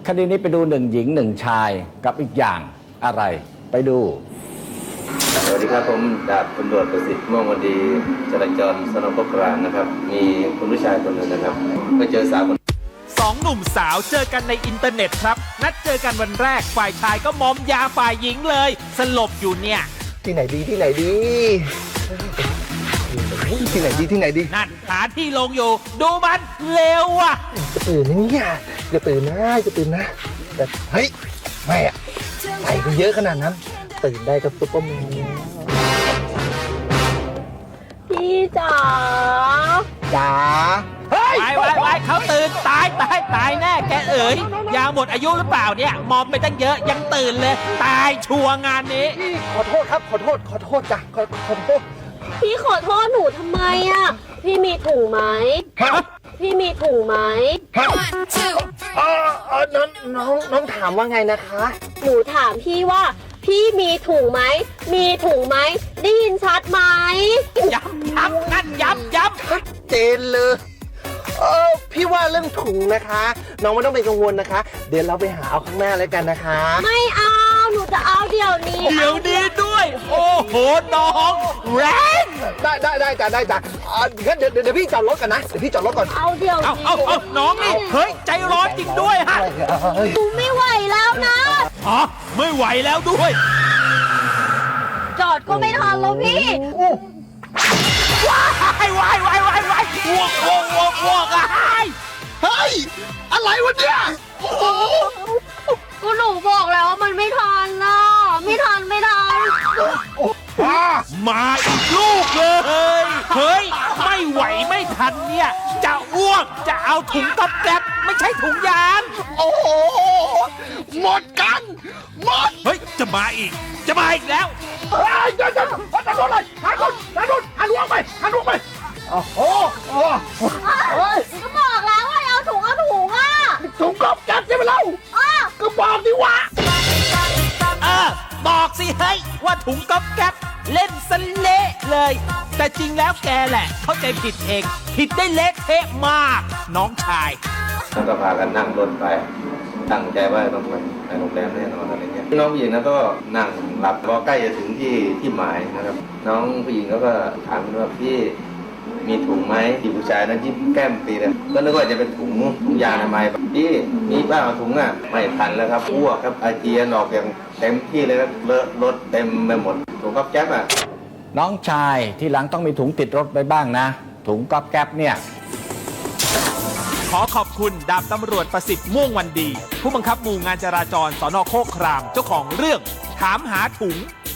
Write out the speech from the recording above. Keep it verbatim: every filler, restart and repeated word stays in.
คดีนี้ไปดูหนึ่งหญิงหนึ่งชายกับอีกอย่างอะไรไปดูสวัสดีครับผมดาบตำรวจประสิทธิ์ม่วงวันดีจราจรสนปกรางนะครับมีคุณผู้ชายคนหนึ่งนะครับไปเจอสาวคนสองหนุ่มสาวเจอกันในอินเทอร์เน็ตครับนัดเจอกันวันแรกฝ่ายชายก็มอมยาฝ่ายหญิงเลยสลบอยู่เนี่ยที่ไหนดีที่ไหนดีที่ไหนดีที่ไหนดีนั่นหาที่ลงอยู่ดูมันเร็วอ่ะจะตื่นนะเนี่ยจะตื่นนะจะตื่นนะแต่เฮ้ยไม่อะใส่กันเยอะขนาดนั้นตื่นได้กับซุปเปอร์แมนพี่จ๋าจ๋าเฮ้ยไปไปไปเขาตื่นตายตายตายแน่แกเอ๋ยยาหมดอายุหรือเปล่าเนี่ยมอมไปตั้งเยอะยังตื่นเลย ตายชัวร์งานนี้ขอโทษครับขอโทษขอโทษจ้ะขอขอโทษพี่ขอโทษหนูทำไมอ่ะ พี่มีถุงไหมฮะพี่มีถุงไหมฮะเออเออน้องน้องน้องถามว่าไงนะคะหนูถามพี่ว่า พี่มีถุงไหม มีถุงไหม ได้ยินชัดไหมย้ำย้ำนั่นย้ำย้ำชัดเจนเลยเออพี่ว่าเรื่องถุงนะคะ น้องไม่ต้องเป็นกังวลนะคะ เดี๋ยวเราไปหาเอาข้างหน้าแล้วกันนะคะไม่เอา หนูจะเอาเดี๋ยวนี้เดี๋ยวนี้ด้วย โอ้โหน้องแรงได้ได้ได้จ้ะได้จ้ะอ่างั้นเดี๋ยวเดี๋ยวพี่จอดรถก่อนนะเดี๋ยวพี่จอดรถก่อนเอาเดี๋ยวเอานี้เอาเอาน้องนี่เฮ้ยใจร้อนจริงด้วยฮะเฮ้ยหนูไม่ไหวแล้วนะอ๋อไม่ไหวแล้วด้วยจอดก็ไม่ทันแล้วพี่ว้ายว้ายว้ายว้ายว้ายอ้วกอ้วกอ้วกอ้วกอ่ะเฮ้ยอะไรวะเนี่ยโอ้โหก็หนูบอกแล้วว่ามันไม่ทันนะไม่ทันไม่ทันอ่ามาอีกลูกเลย เฮ้ย ไม่ไหวไม่ทันเนี่ย จะอ้วกจะเอาถุงก๊อบแก๊บไม่ใช่ถุงยางโอ้โหหมดกันหมดเฮ้ย จะมาอีก จะมาอีกแล้วเฮ้ยเดี๋ยวเดี๋ยวหันรถเลยหันรถหันรถหันลวงไปหันลวงไปโอ้โหโอ้เฮ้ยก็บอกแล้วว่าเอาถุงเอาถุงอ่ะถุงกอบแก๊บใช่ไหมเล่าอ้าก็บอกดิวะเออ บอกสิเฮ้ย ว่าถุงก๊อบแก๊บเล่นสเละเลย แต่จริงแล้วแกแหละ เข้าใจผิดเอง ผิดได้เละเทะมาก น้องชายแล้วก็พากันนั่งรถไปตั้งใจว่าต้องไปในโรงแรมแน่นอนอะไรเงี้ยน้องผู้หญิงนั้นก็นั่งหลับพอใกล้จะถึงที่ที่หมายนะครับ น้องผู้หญิงเขาก็ถามว่าพี่มีถุงไหมที่ผู้ชายนั้นยิ้มแก้มปีเลยก็นึกว่าจะเป็นถุงถุงยางอนามัยพี่มีบ้างถุงอ่ะไม่ทันแล้วครับอ้วกครับอาเจียนออกอย่างเต็มที่เลยครับเลอะรถเต็มไปหมดถุงก๊อบแก๊บอ่ะน้องชายที่หลังต้องมีถุงติดรถไปบ้างนะ ถุงก๊อบแก๊บเนี่ยขอขอบคุณดาบตำรวจประสิทธิ์ม่วงวันดี ผู้บังคับหมู่งานจราจรสนโคกครามเจ้าของเรื่อง ถามหาถุง